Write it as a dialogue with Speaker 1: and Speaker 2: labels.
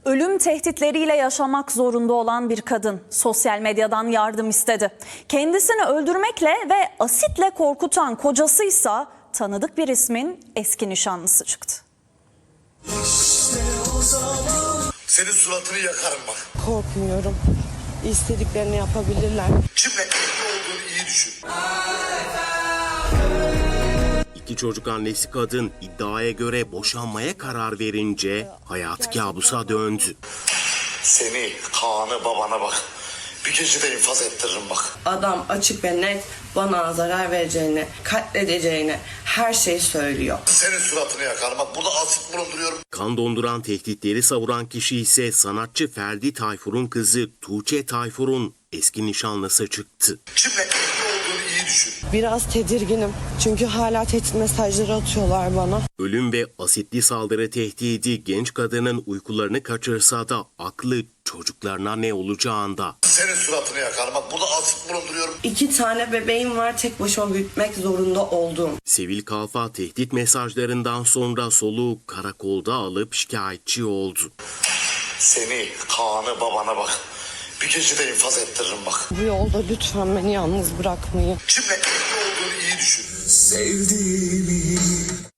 Speaker 1: Ölüm tehditleriyle yaşamak zorunda olan bir kadın sosyal medyadan yardım istedi. Kendisini öldürmekle ve asitle korkutan kocasıysa tanıdık bir ismin eski nişanlısı çıktı.
Speaker 2: Senin suratını yakarım bak.
Speaker 3: Korkmuyorum. İstediklerini yapabilirler.
Speaker 2: Kimle evli olduğunu iyi düşün.
Speaker 4: İki çocuk annesi kadın iddiaya göre boşanmaya karar verince hayatı kabusa döndü.
Speaker 2: Seni, Kaan'ı, babana bak. Bir gecede infaz ettiririm bak.
Speaker 3: Adam açık ve net bana zarar vereceğini, katledeceğini her şeyi söylüyor.
Speaker 2: Senin suratını yakarım bak. Burada asit bulunduruyorum.
Speaker 4: Kan donduran tehditleri savuran kişi ise sanatçı Ferdi Tayfur'un kızı Tuğçe Tayfur'un eski nişanlısı çıktı.
Speaker 2: Kimle evli olduğunu iyi düşün.
Speaker 3: Biraz tedirginim çünkü hala tehdit mesajları atıyorlar bana.
Speaker 4: Ölüm ve asitli saldırı tehdidi genç kadının uykularını kaçırsa da aklı çocuklarına ne olacağında.
Speaker 2: Senin suratını yakarım bak. Burada asit bulunduruyorum.
Speaker 3: 2 tane bebeğim var, tek başıma büyütmek zorunda olduğum.
Speaker 4: Sevil Kalfa tehdit mesajlarından sonra soluğu karakolda alıp şikayetçi oldu.
Speaker 2: Seni, Kaan'ı, babana bak. Bir gecede infaz ettiririm bak.
Speaker 3: Bu yolda lütfen beni yalnız bırakmayın.
Speaker 2: Kimle evli olduğunu iyi düşün.
Speaker 5: Sevdiğimi